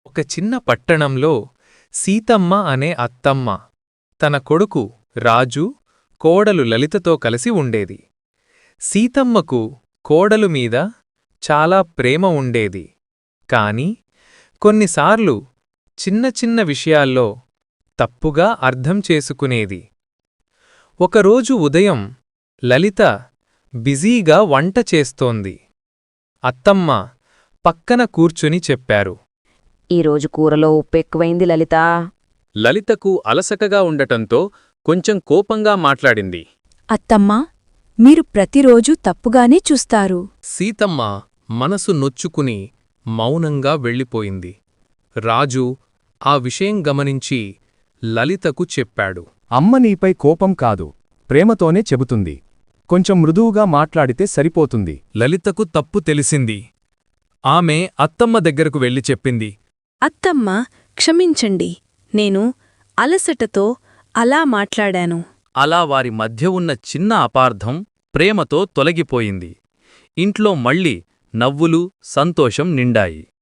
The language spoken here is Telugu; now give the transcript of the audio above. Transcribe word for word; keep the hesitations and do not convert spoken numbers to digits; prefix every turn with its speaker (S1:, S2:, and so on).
S1: ఒక చిన్న పట్టణంలో సీతమ్మ అనే అత్తమ్మ తన కొడుకు రాజు కోడలు లలితతో కలిసి ఉండేది. సీతమ్మకు కోడలు మీద చాలా ప్రేమ ఉండేది. కాని కొన్నిసార్లు చిన్న చిన్న విషయాల్లో తప్పుగా అర్థం చేసుకునేది. ఒకరోజు ఉదయం లలిత బిజీగా వంట చేస్తోంది. అత్తమ్మ పక్కన కూర్చుని చెప్పారు.
S2: ఈరోజు కూరలో ఉప్పెక్కువైంది లలితా.
S3: లలితకు అలసకగా ఉండటంతో కొంచెం కోపంగా మాట్లాడింది.
S4: అత్తమ్మా, మీరు ప్రతిరోజూ తప్పుగానే చూస్తారు.
S1: సీతమ్మ మనసు నొచ్చుకుని మౌనంగా వెళ్ళిపోయింది. రాజు ఆ విషయం గమనించి లలితకు చెప్పాడు.
S5: అమ్మ నీపై కోపం కాదు, ప్రేమతోనే చెబుతుంది. కొంచెం మృదువుగా మాట్లాడితే సరిపోతుంది.
S1: లలితకు తప్పు తెలిసింది. ఆమె అత్తమ్మ దగ్గరకు వెళ్లి చెప్పింది.
S6: అత్తమ్మ, క్షమించండి, నేను అలసటతో అలా మాట్లాడాను.
S3: అలా వారి మధ్య ఉన్న చిన్న అపార్థం ప్రేమతో తొలగిపోయింది. ఇంట్లో మళ్ళీ నవ్వులు, సంతోషం నిండాయి.